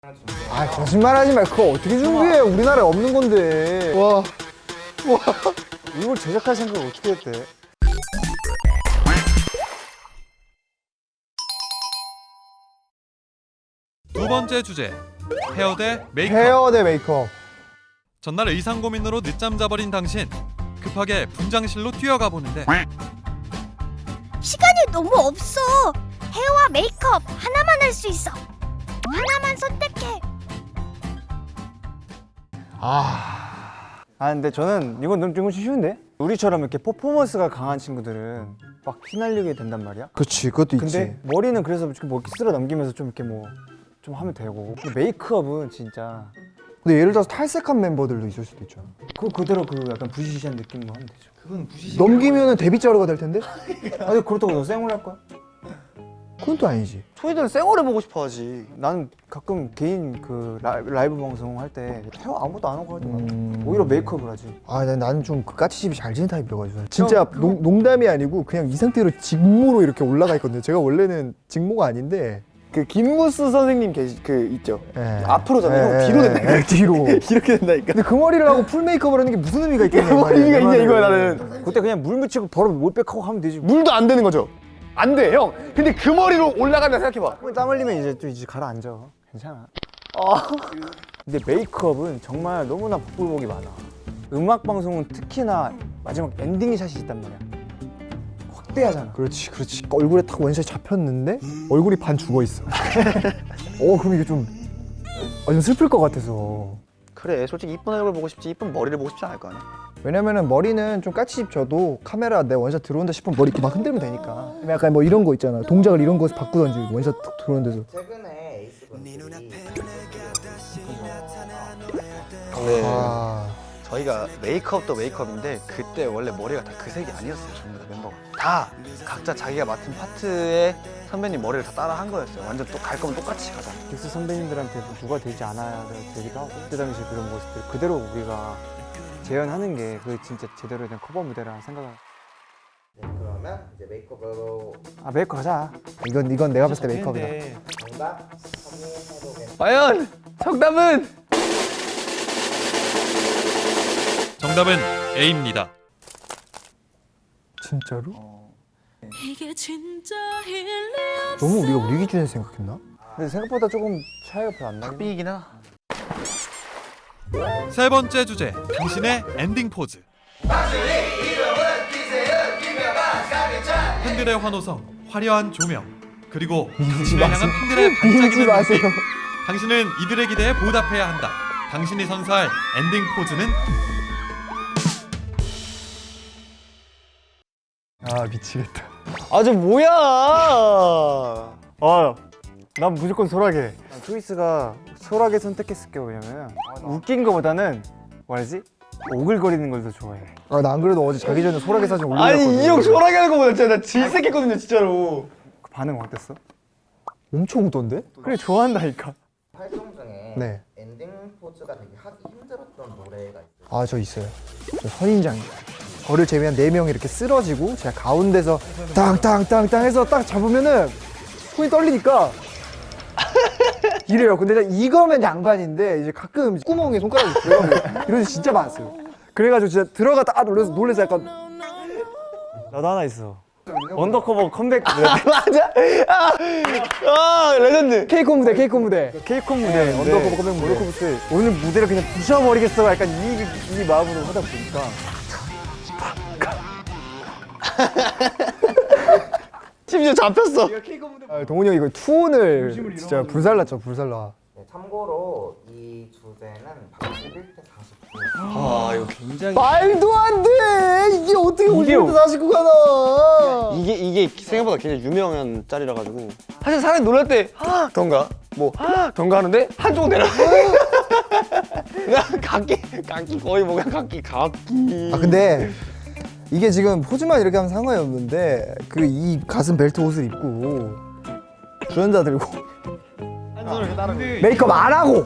아 거짓말하지 마. 그거 어떻게 준비해? 우리나라에 없는 건데. 와. 이걸 제작할 생각을 어떻게 했대? 두 번째 주제, 헤어 대 메이크업. 헤어 대 메이크업. 전날 의상 고민으로 늦잠 자버린 당신, 급하게 분장실로 뛰어가 보는데 시간이 너무 없어. 헤어와 메이크업 하나만 할 수 있어. 하나만 선택해. 근데 저는 이건 좀 쉬운데? 우리처럼 이렇게 퍼포먼스가 강한 친구들은 막 휘날리게 된단 말이야. 그치, 그것도 근데 머리는 그래서 뭐 이렇게 쓸어 넘기면서 좀 이렇게 뭐 좀 하면 되고. 근데 메이크업은 진짜 근데 예를 들어서 탈색한 멤버들도 있을 수도 있잖아. 그거 그대로 그 약간 부시시한 느낌으로 하면 되죠. 그건 부시시. 넘기면은 데뷔 자료가 될 텐데? 아니 그렇다고 너 쌩얼 할 거야? 그건 또 아니지. 초이들은 쌩얼 해보고 싶어하지. 나는 가끔 개인 그 라이브 방송 할 때 헤어 아무것도 안 하고 하더만. 오히려 메이크업을 하지. 나는 좀 그 까치집이 잘 지는 타입이어가지고 진짜 농담이 아니고 그냥 이 상태로 직모로 이렇게 올라가 있거든요. 제가 원래는 직모가 아닌데 그 김무스 선생님 그 있죠. 예. 앞으로잖아요. 예, 뒤로 된다니까. 예, 뒤로. 이렇게 된다니까. 근데 그 머리를 하고 풀 메이크업을 하는 게 무슨 의미가 있겠냐. 뭐 의미가 있냐 말이야. 이거야 나는. 그때 그냥 물 묻히고 바로 몰백하고 하면 되지. 물도 안 되는 거죠. 안 돼, 형. 근데 그 머리로 올라간다 생각해봐. 땀 흘리면 이제 가라앉아. 괜찮아. 근데 메이크업은 정말 너무나 복불복이 많아. 음악 방송은 특히나 마지막 엔딩 샷이 있단 말이야. 확대하잖아. 그렇지. 얼굴에 딱 원샷 잡혔는데 얼굴이 반 죽어 있어. 그럼 이게 좀 슬플 것 같아서. 그래, 솔직히 이쁜 얼굴 보고 싶지 이쁜 머리를 보고 싶지 않을 거 아니야. 왜냐면은 머리는 좀 까치집 져도 카메라 내 원샷 들어온다 싶으면 머리 이렇게 막 흔들면 되니까. 약간 뭐 이런 거 있잖아. 동작을 이런 거에서 바꾸던지 원샷 툭 들어오는 데서. 최근에 에이스분들이 네. 저희가 메이크업도 메이크업인데 그때 원래 머리가 다 그 색이 아니었어요. 전부 다 멤버가 다 각자 자기가 맡은 파트에 선배님 머리를 다 따라 한 거였어요. 완전 또 갈 거면 똑같이 가자. 빅스 선배님들한테 누가 되지 않아야 되기도 하고 그때 당시 그런 모습들 그대로 우리가 재현하는 게 그 진짜 제대로 된 커버 무대라 생각을. 네, 그러면 이제 메이크업으로 메이크업 하자. 이건 내가 봤을 때 메이크업이다. 정답 선의해보겠습니다. 과연 정답은 정답은 A입니다. 진짜로? 이게 진짜 너무 우리가 우리 기준에서 생각했나? 근데 생각보다 조금 차이가 별로 안 나긴 해. 삐이긴 하나. 세 번째 주제, 당신의 엔딩 포즈. 팬들의 환호성, 화려한 조명, 그리고 당신을 향한 팬들의 밀지 반짝이는 마세요. 눈빛. 당신은 이들의 기대에 보답해야 한다. 당신이 선사할 엔딩 포즈는 미치겠다. 저 뭐야? 난 무조건 소라게. 초이스가 소라게 선택했을 게 왜냐면 웃긴 거보다는 뭐라지? 오글거리는 걸 더 좋아해. 나 안 그래도 어제 자기 전에 소라게 사진 올려놨거든. 아니 이 형 소라게 하는 거보다 진짜 나 질색했거든요 진짜로. 그 반응 어땠어? 엄청 웃던데? 그래 좋아한다니까. 활동 중에 네. 엔딩 포즈가 되게 하기 힘들었던 노래가 있어요. 저 있어요. 저 선인장이요. 저를 제외한 4명이 이렇게 쓰러지고 제가 가운데서 땅땅땅땅 해서 딱 잡으면은 손이 떨리니까 이래요. 근데 이거면 양반인데 이제 가끔 구멍에 손가락이 들어가면 이런 게 진짜 많았어요. 그래가지고 진짜 들어가다 놀래서 약간 나도 하나 있어. 언더커버 컴백 맞아. 레전드. 케이콘 무대. 케이콘 무대 언더커버 컴백 무대 때 오늘 무대를 그냥 부셔버리겠어 약간 이 마음으로 하다 보니까 심지어 잡혔어. 동훈이 형이 이거 투혼을 진짜 불살랐죠. 네, 참고로 이 주제는 81대 49. 아 이거 굉장히 말도 안 돼. 이게 어떻게 50대 49가 나와? 이게 생각보다 굉장히 유명한 짤이라 가지고 사실 사람이 놀랄 때 던가 던가 하는데 한쪽 내려. 그냥 각기 거의 뭐 그냥 각기. 근데 이게 지금 포즈만 이렇게 하면 상관이 없는데 그 이 가슴 벨트 옷을 입고 주전자 들고 메이크업 안 하고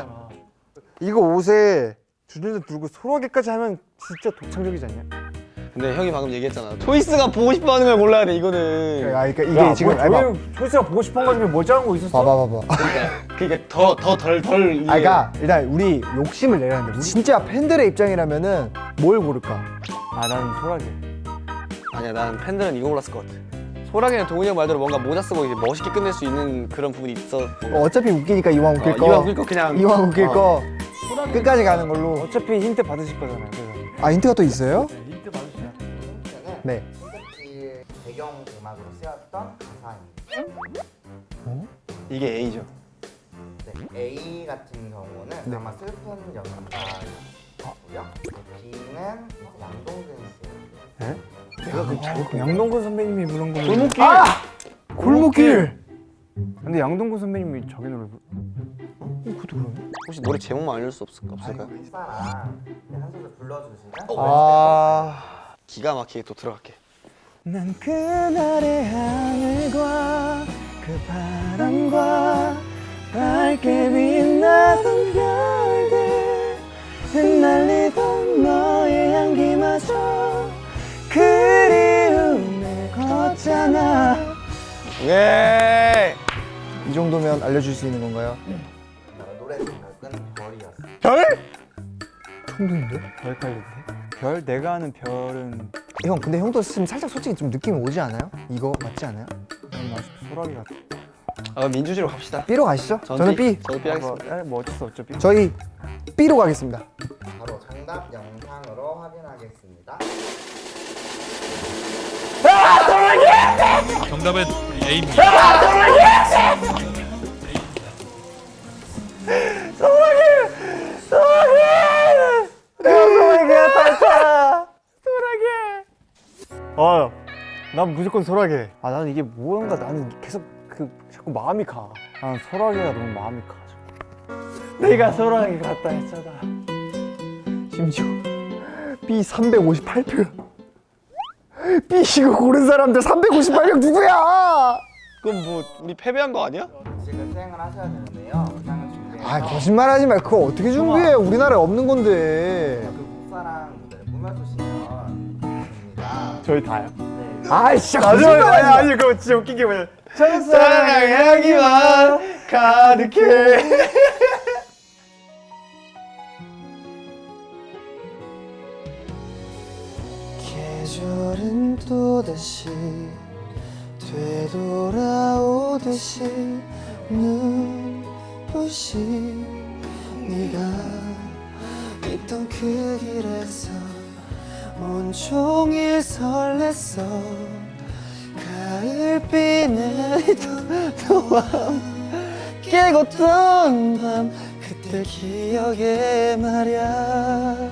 이거 옷에 주전자 들고 소라게까지 하면 진짜 독창적이지 않냐? 근데 형이 방금 얘기했잖아. 초이스가 보고 싶어하는 걸 골라야 돼 이거는. 그러니까 이게 지금 봐봐. 초이스가 보고 싶은 거 중에 뭐 짜는 거 있었어? 봐봐. 그러니까 덜 그러니까 일단 우리 욕심을 내야 하는데 진짜 팬들의 입장이라면은 뭘 고를까? 아 나는 소라게. 아니야, 난 팬들은 이거 골랐을 것 같아. 소라게는 동훈이 형 말대로 뭔가 모자 쓰고 이제 멋있게 끝낼 수 있는 그런 부분이 있어. 어차피 웃기니까 이왕 웃길 거. 이왕 웃길 거 그냥. 이왕 웃길 거 끝까지 가는 걸로. 어차피 힌트 받으실 거잖아요. 그래서. 아 힌트가 또 있어요? 힌트 받으시면. 네. 콘서트 배경 음악으로 쓰였던 가사입니다. 이게 A죠. 네, A 같은 경우는 아마 슬픈 연가고요. B는 양동근 씨. 내가 그 양동근 선배님이 부른 거면. 골목길. 골목길. 근데 양동근 선배님이 자기 노래 그것도 그러네. 혹시 노래 제목만 알려줄 수 없을까요? 사랑 한 소절 불러주시면 아, 기가 막히게 또 들어갈게. 난 그날의 하늘과 그 바람과 밝게 빛나던 별들 흩날리던 너의 향기마저 그리움에 걷잖아. 예. 이 정도면 알려줄 수 있는 건가요? 노래 제목은 별이었어요. 별? 형도인데? 별 깔린데? 별? 내가 아는 별은 형 근데 형도 지금 살짝 솔직히 좀 느낌이 오지 않아요? 이거 맞지 않아요? 소라기 같아. 아, 민주시로 갑시다. B로 가시죠. 저는 B. 저도 B 하겠습니다. 뭐 어쩔 수 없죠. B. 저희 B로 가겠습니다. 바로 정답 영상으로 확인하겠습니다. 정답은 A입니다. 난 무조건 소라게. 아 나는 이게 뭔가 나는 계속 그 자꾸 마음이 가. 나는 소라게가 너무 마음이 가. 내가 소라게 같다 했잖아. 심지어 B 358표. B 이거 고른 사람들 358명 누구야? 그럼 뭐 우리 패배한 거 아니야? 지금 수행을 하셔야 되는데요. 영상을 준비해서 아 거짓말하지 말. 그거 어떻게 준비해? 우리나라에 없는 건데. 그 국사랑 무대를 꾸며주시면 됩니다. 저희 다요? 아 진짜 거짓말하지 마. 아니 그거 진짜 웃긴 게 뭐냐. 사랑의 향기만 가득해. 계절은 또다시 되돌아오듯이 눈부시 네가 있던 그 길에서 온종일 설렜어. 가을비 내리던 너와 함께 걷던 밤 그때 기억에 말야.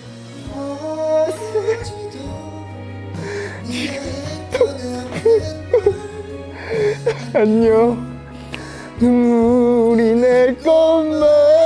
안녕. 눈물이 날 것만.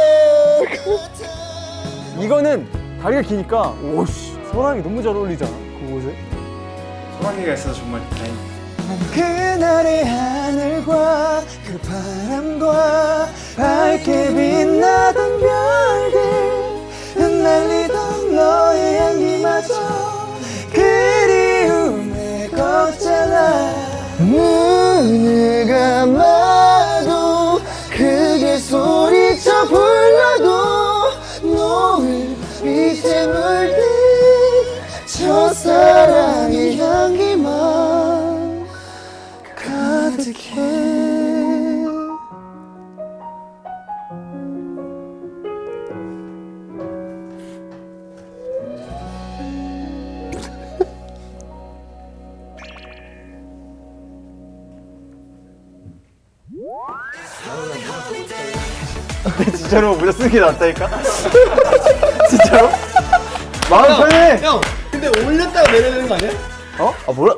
이거는 다리가 기니까 오씨 소라게 너무 잘 어울리잖아. 그 옷에. 소라게가 있어서 정말 다행이다. 그날의 하늘과 그 바람과 밝게 빛나던 별들 흩날리던 너의 향기마저 그리움에 걷잖아. 눈을 감아도 크게 소리쳐 불러도 노을 빛에 물든 첫사랑의 향기만 가득해. 진짜로 모자 쓰는 게 낫다니까? 진짜로? 마음 편해! 형, 근데 올렸다가 내려야 되는 거 아니야? 어? 아 뭐라?